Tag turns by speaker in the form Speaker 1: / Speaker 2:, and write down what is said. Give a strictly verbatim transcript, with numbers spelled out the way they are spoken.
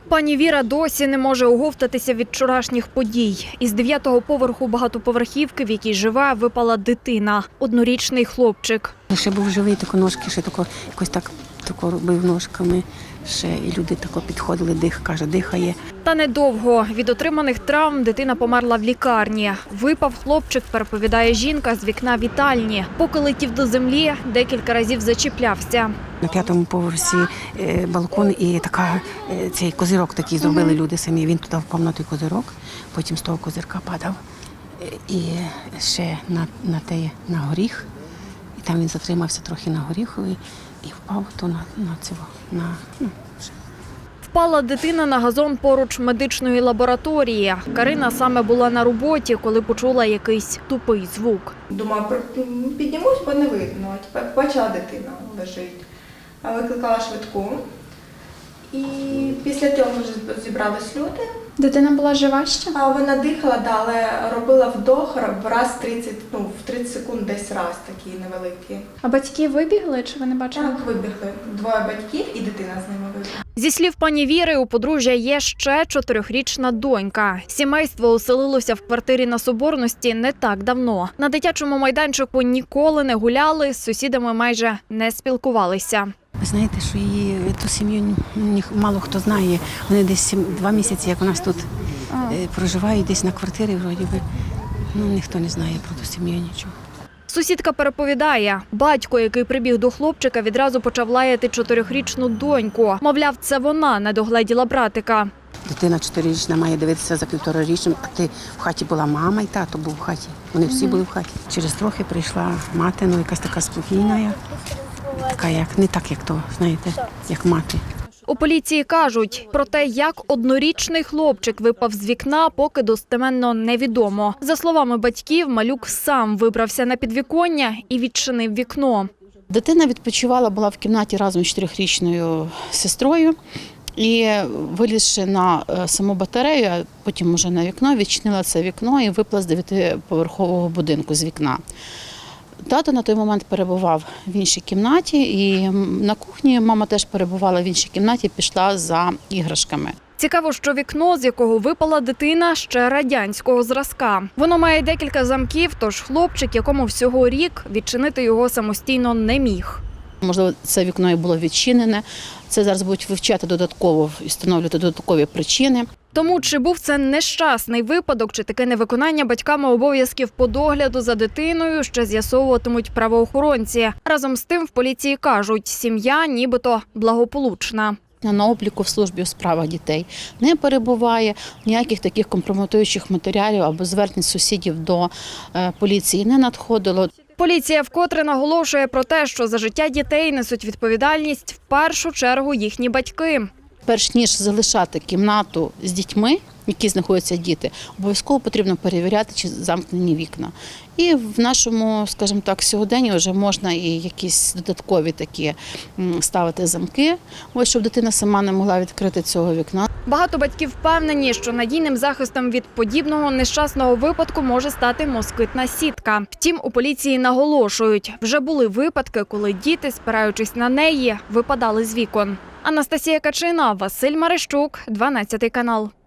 Speaker 1: Пані Віра досі не може оговтатися від вчорашніх подій. Із дев'ятого поверху багатоповерхівки, в якій живе, випала дитина – однорічний хлопчик.
Speaker 2: Ще був живий, тако ножки, ще тако, якось так тако робив ножками. Ще і люди тако підходили, дих, каже, дихає.
Speaker 1: Та недовго. Від отриманих травм дитина померла в лікарні. Випав хлопчик, переповідає жінка, з вікна вітальні. Поки летів до землі, декілька разів зачіплявся.
Speaker 2: На п'ятому поверсі балкон і така, цей козирок такий зробили люди самі. Він туди впав на той козирок, потім з того козирка падав. І ще на, на, те, на горіх. І там він затримався трохи на горіхові і впав то на, на цього, на, ну,
Speaker 1: Впала дитина на газон поруч медичної лабораторії. Карина саме була на роботі, коли почула якийсь тупий звук.
Speaker 3: Думаю, піднімусь, бо не видно. Тепер бачила, дитина лежить. Викликала швидку. І після цього вже зібрались люди.
Speaker 4: Дитина була жива ще?
Speaker 3: А вона дихала, да, але робила вдох раз тридцять, ну, в тридцять секунд десь раз такий невеликий.
Speaker 4: А батьки вибігли, чи ви не бачили?
Speaker 3: Так, вибігли. Двоє батьків і дитина з ними вибігла.
Speaker 1: Зі слів пані Віри, у подружжя є ще чотирьохрічна донька. Сімейство оселилося в квартирі на Соборності не так давно. На дитячому майданчику ніколи не гуляли, з сусідами майже не спілкувалися.
Speaker 2: Ви знаєте, що її ту сім'ю мало хто знає. Вони десь два місяці, як у нас тут е, проживають, десь на квартирі, вроді би. Ну, ніхто не знає про ту сім'ю нічого.
Speaker 1: Сусідка переповідає, батько, який прибіг до хлопчика, відразу почав лаяти чотирьохрічну доньку. Мовляв, це вона не догледіла братика.
Speaker 2: Дитина чотирирічна має дивитися за півторарічним, а ти в хаті була мама і тато був в хаті. Вони всі були в хаті. Через трохи прийшла мати, ну якась така спокійна, така як, не так, як то, знаєте, як мати.
Speaker 1: У поліції кажуть, про те, як однорічний хлопчик випав з вікна, поки достеменно невідомо. За словами батьків, малюк сам вибрався на підвіконня і відчинив вікно.
Speaker 5: Дитина відпочивала, була в кімнаті разом з чотирьохрічною сестрою. І вилізши на саму батарею, а потім уже на вікно, відчинила це вікно і випала з дев'ятиповерхового будинку з вікна. Тато на той момент перебував в іншій кімнаті, і на кухні мама теж перебувала в іншій кімнаті, пішла за іграшками.
Speaker 1: Цікаво, що вікно, з якого випала дитина, ще радянського зразка. Воно має декілька замків, тож хлопчик, якому всього рік, відчинити його самостійно не міг.
Speaker 5: Можливо, це вікно і було відчинене. Це зараз будуть вивчати додатково і встановлювати додаткові причини.
Speaker 1: Тому чи був це нещасний випадок, чи таке невиконання батьками обов'язків по догляду за дитиною, ще з'ясовуватимуть правоохоронці. Разом з тим в поліції кажуть, сім'я нібито благополучна.
Speaker 5: На обліку в службі у справах дітей не перебуває, ніяких таких компрометуючих матеріалів або звернень сусідів до поліції не надходило.
Speaker 1: Поліція вкотре наголошує про те, що за життя дітей несуть відповідальність в першу чергу їхні батьки.
Speaker 5: Перш ніж залишати кімнату з дітьми, які знаходяться діти, обов'язково потрібно перевіряти, чи замкнені вікна. І в нашому, скажімо так, сьогоденні вже можна і якісь додаткові такі ставити замки, ось щоб дитина сама не могла відкрити цього вікна.
Speaker 1: Багато батьків впевнені, що надійним захистом від подібного нещасного випадку може стати москитна сітка. Втім, у поліції наголошують, вже були випадки, коли діти, спираючись на неї, випадали з вікон. Анастасія Качина, Василь Марищук, дванадцятий канал.